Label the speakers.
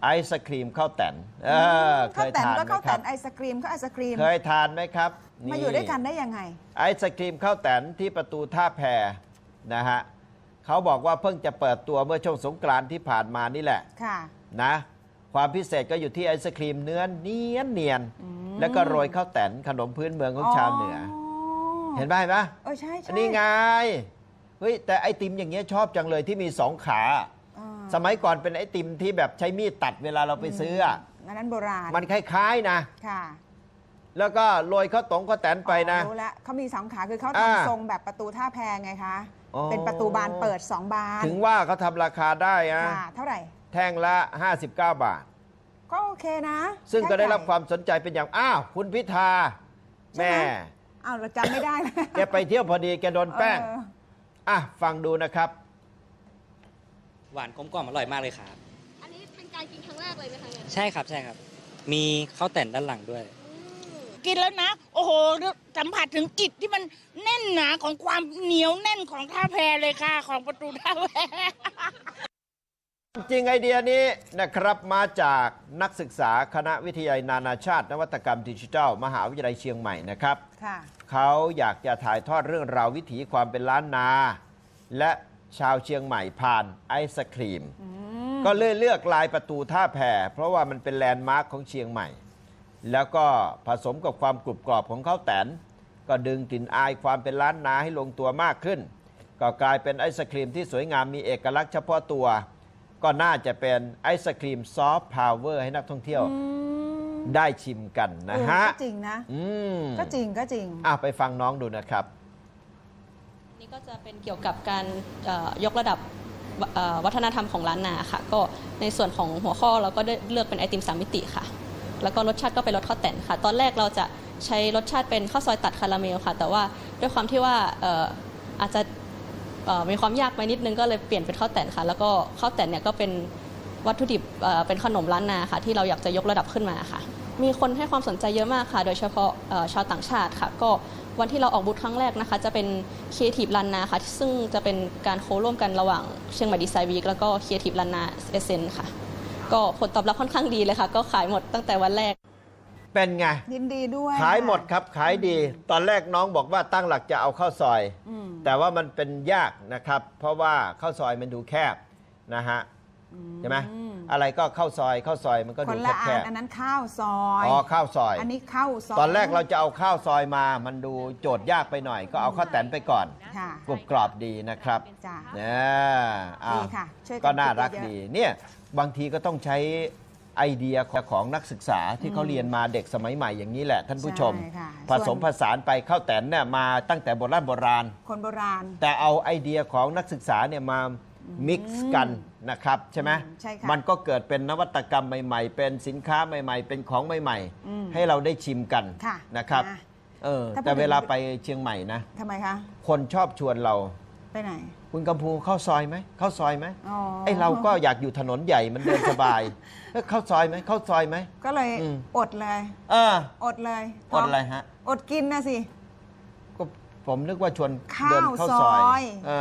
Speaker 1: ไอศครีมข้าวแตนเคยทานไหมครับข้าวแตน
Speaker 2: ไอศครีมก็ไอศครีม
Speaker 1: เคยทานไหมครับ
Speaker 2: มาอยู่ด้วยกันได้ยังไง
Speaker 1: ไอศครีมข้าวแตนที่ประตูท่าแพนะฮะเขาบอกว่าเพิ่งจะเปิดตัวเมื่อช่วงสงกรานต์ที่ผ่านมานี่แหละ
Speaker 2: ค่ะ
Speaker 1: นะความพิเศษก็อยู่ที่ไอศครีมเนื้อเนียนแล้วก็โรยข้าวแตนขนมพื้นเมืองของชาวเหนือเห็นไหม
Speaker 2: ใช่
Speaker 1: อันนี้ไงเฮ้ยแต่ไอติมอย่างเงี้ยชอบจังเลยที่มี2 ขาสมัยก่อนเป็นไอติมที่แบบใช้มีดตัดเวลาเราไปซื้อ
Speaker 2: นั้นโบราณ
Speaker 1: มันคล้ายๆนะ
Speaker 2: ค่ะ
Speaker 1: แล้วก็โรยข้าวแตนไปนะ
Speaker 2: รู้แล้วเขามี2 ขาคือเขาทำทรงแบบประตูท่าแพไงคะเป็นประตูบานเปิด2 บาน
Speaker 1: ถึงว่าเขาทำราคาได้อะ
Speaker 2: เท่าไหร่
Speaker 1: แท่งละ59 บาท
Speaker 2: ก็โอเคนะ
Speaker 1: ซึ่งก็ได้รับความสนใจเป็นอย่างคุณพิธาแม่
Speaker 2: เราจำไม่ได้
Speaker 1: แกไปเที่ยวพอดีแกโดนแป้งฟังดูนะครับ
Speaker 3: หวานกลมกล่อมอร่อยมากเลยครับ
Speaker 4: อันนี้เป็นการกินครั้งแรกเลยไหมคะเนี่ย
Speaker 3: ใช่ครับมีข้าวแต่นด้านหลังด้วย
Speaker 5: กินแล้วนะโอ้โหสัมผัสถึงกลิ่นที่มันแน่นหนาของความเหนียวแน่นของท่าแพเลยค่ะของประตูท่าแพ
Speaker 1: จริงไอเดียนี้นะครับมาจากนักศึกษาคณะวิทยาลัยนานาชาตินวัตกรรมดิจิทัลมหาวิทยาลัยเชียงใหม่นะครับเขาอยากจะถ่ายทอดเรื่องราววิถีความเป็นล้านนาและชาวเชียงใหม่ผ่านไอศครีมก็เลยเลือกลายประตูท่าแพเพราะว่ามันเป็นแลนด์มาร์คของเชียงใหม่แล้วก็ผสมกับความกรุบกรอบของข้าวแตนก็ดึงกลิ่นอายความเป็นล้านนาให้ลงตัวมากขึ้นก็กลายเป็นไอศครีมที่สวยงามมีเอกลักษณ์เฉพาะตัวก็น่าจะเป็นไอศครีมซอฟต์พาวเวอร์ให้นักท่องเที่ยวได้ชิมกันนะฮะ
Speaker 2: ก็จริงนะก็จริง
Speaker 1: ไปฟังน้องดูนะครับ
Speaker 4: นี่ก็จะเป็นเกี่ยวกับการยกระดับวัฒนธรรมของล้านนาค่ะก็ในส่วนของหัวข้อเราก็ได้เลือกเป็นไอติม3 มิติค่ะแล้วก็รสชาติก็เป็นรสข้าวแตนค่ะตอนแรกเราจะใช้รสชาติเป็นข้าวซอยตัดคาราเมลค่ะแต่ว่าด้วยความที่ว่าอาจจะมีความยากไปนิดนึงก็เลยเปลี่ยนเป็นข้าวแตนค่ะแล้วก็ข้าวแตนเนี่ยก็เป็นวัตถุดิบเป็นขนมล้านนาค่ะที่เราอยากจะยกระดับขึ้นมาค่ะมีคนให้ความสนใจเยอะมากค่ะโดยเฉพาะชาวต่างชาติค่ะก็วันที่เราออกบูธครั้งแรกนะคะจะเป็น Creative ล้านนาค่ะซึ่งจะเป็นการโคร่วมกันระหว่างเชียงใหม่ดีไซน์วีคแล้วก็ Creative ล้านนาเอเซนค่ะก็ผลตอบรับค่อนข้างดีเลยค่ะก็ขายหมดตั้งแต่วันแรก
Speaker 1: เป็นไง
Speaker 2: ยินดีด้วย
Speaker 1: ขายหมดครับขายดีตอนแรกน้องบอกว่าตั้งหลักจะเอาข้าวซอยแต่ว่ามันเป็นยากนะครับเพราะว่าข้าวซอยมันดูแคบนะฮะใช่ไหมอะไรก็ข้าวซอยมันก็ดูแคบ
Speaker 2: อันนั้นข้าวซอย
Speaker 1: ข้าวซอย
Speaker 2: อันนี้ข้าวซอย
Speaker 1: ตอนแรกเราจะเอาข้าวซอยมามันดูโจทย์ยากไปหน่อยก็เอาข้าวแตนไปก่อนกรุบกรอบดีนะครับ
Speaker 2: ดีค่ะ
Speaker 1: ก็น่ารักดีเนี่ยบางทีก็ต้องใช้ไอเดียของนักศึกษาที่เขาเรียนมาเด็กสมัยใหม่อย่างนี้แหละท่านผู้ชมผสมผสานไปข้าวแตนเนี่ยมาตั้งแต่โบราณ
Speaker 2: คนโบราณ
Speaker 1: แต่เอาไอเดียของนักศึกษาเนี่ยมามิกซ์กันนะครับใช่ไหมมันก็เกิดเป็นนวัตกรรมใหม่ๆเป็นสินค้าใหม่ๆเป็นของใหม่ๆให้เราได้ชิมกันนะครับแต่เวลาไปเชียงใหม่นะ
Speaker 2: ทำไมคะ
Speaker 1: คนชอบชวนเรา
Speaker 2: ไปไหน
Speaker 1: คุณกัมพูเข้าซอยไหมเข้าซอยไหมไอเราก็อยากอยู่ถนนใหญ่มันเดินสบายเข้าซอยไหมเข้าซอยไหม
Speaker 2: ก็เลยอดเลยอดเลย
Speaker 1: อดอะไรฮะ
Speaker 2: อดกินนะสิ
Speaker 1: ก็ผมนึกว่าชวนเดินเข้าซอย